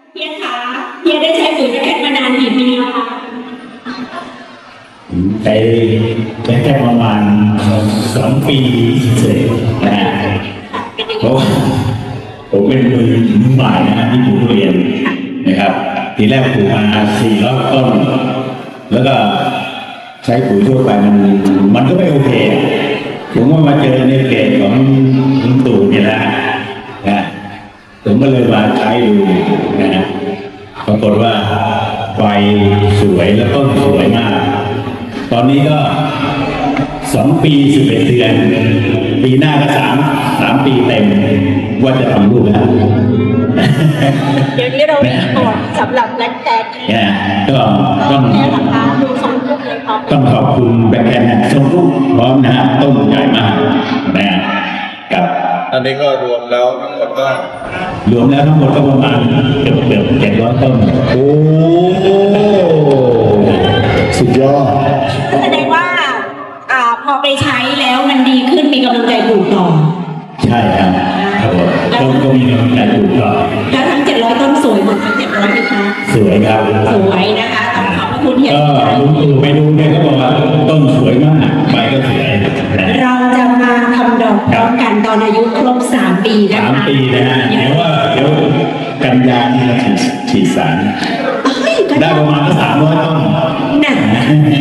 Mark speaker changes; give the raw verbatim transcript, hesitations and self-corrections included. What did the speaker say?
Speaker 1: เฮียคะเฮียได้ใช้ปุ๋ยแคทมานานกี่ปีแล้วคะ
Speaker 2: ใช้แค่ประมาณสองปีเสร็จนะฮะเพราะว่าผมเป็นมือใหม่นะที่ปลูกทุเรียนนะครับทีแรกปลูกมาสี่ร้อยต้นแล้วก็ใช้ปุ๋ยทั่วไปมันมันก็ไม่โอเคผมว่ามาเจอในเพจของลุงตู่เนี่ยนะนะผมก็เลยมาใช้ดูนะฮะปรากฏว่าใบสวยแล้วต้นสวยมากตอนนี้ก็สองปีสิบเอ็ดเดือนปีหน้าก็สามสามปีเต็มว่าจะทำลูกแล้ว
Speaker 1: เดี๋ยวนี้เรามีก่อนสำหรับแบล็คแคท
Speaker 2: เนี่ยก็ต้อง
Speaker 1: แค่ราคาดูสองลูกเลยครับ
Speaker 2: ต้องขอบคุณแบงค์แคนทรงลูกพร้อมนะฮะต้นใหญ่มากนะฮะกับ
Speaker 3: อันนี้ก็รวมแล้วทั้งหมดก็
Speaker 2: รวมแล้วทั้งหมดก็ประมาณเกือบเกือบเจ็ดร้อยต้นโอ้สุดยอด
Speaker 1: แสดงว่าอ่าพอไปใช้แล้วมันดีขึ้นมีกำลังใจปลูกต่อ
Speaker 2: ใช่ครับครับผมต้นก็มีกำลังใจปลูกต่อ
Speaker 1: แล้วทั้งเจ็ดร้อยต้นสวยหมดทั้งเจ็ดร้อยไหมคะ
Speaker 2: สวยครับ
Speaker 1: สวยนะคะต้องขอบพระคุณเฮีย
Speaker 2: ก็ลุงตู่ไปดูเนี่ยเขาบอกว่าต้นสวยมากใบก็สวยนะ
Speaker 1: เราจะมาทำดอกพร้อมกันตอนอายุครบสามปีนะคะ
Speaker 2: สามปีนะฮะเดี๋ยวว่าเดี๋ยวกันยานี่เราฉีดฉีดสาร
Speaker 1: เอ้ยก็
Speaker 2: ได้ประมาณสามร้อยต้น
Speaker 1: น่ะ